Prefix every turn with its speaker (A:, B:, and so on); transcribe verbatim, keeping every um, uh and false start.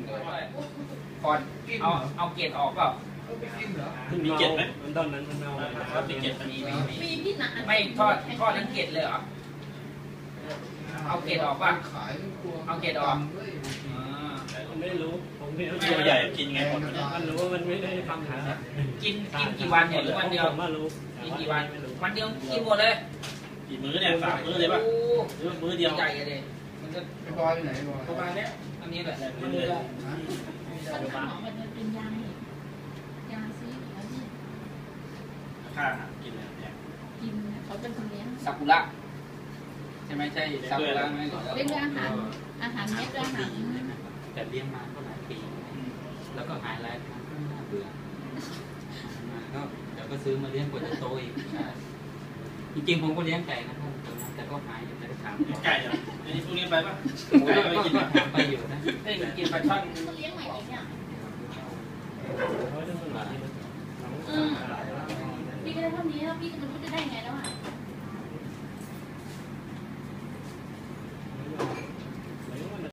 A: ก่อนเอาเอาเกล็ดออกเปล่า
B: มีเกล็ดไหมมันตอนนั้นมันเอาครับมีเกล็ดมี
C: มีพี่หนา
A: ไม่ทอดทอดทั้งเกล็ดเลยเหรอเอาเกล็ดออกป่ะเอาเกล็ดออก
B: ไม่รู้ผมไม่รู้ตัวใหญ่กินไงหมดมันรู้ว่ามันไม่ได้ทำหา
A: กินกินกี่วันเนี่ยหรือวันเดียว
B: ผมรู้
A: กินกี่วันวันเดียวกินหมดเลย
B: กี่มื้อเนี่ยสามมื้อเลยป่ะหรือมื้อเดียว
A: ใหญ่เลยมันจะ
D: ไปบอยไปไหนบอย
A: ประมาณนี้อันนี้แหละ
C: มันหอมมันเป็นยายาซีแล้วนี่
B: ค่ากินเนี่ย
C: กินเขาเป็นคนเลี้ยง
A: ซากุระใช่ไหมใช่ซากุระไหม
C: เลี้ยงอาหารอาหารเม็ดอาหาร
E: แต่เลี้ยงมาก็หลายปีแล้วก็หายแล้วน่าเบื่อมาก็เดี๋ยวก็ซื้อมาเลี้ยงกว่าจะโตอีกจริงๆผมก็เลี้ยงไก่นะครับแต่ก็หายอยู่แต่ถาม
B: ไก่เหรอไอ้พวกนี้ไปป่ะ
E: ไก่ไปกินถามไปอยู่นะ
A: ได้กินปลาช่อน
C: เลี้ยงใหม่อีกเนี่ยพี่ก็ได้เท่านี้แล้วพี่ก็ไม่รู้จะได้ไงแล้วอ่ะ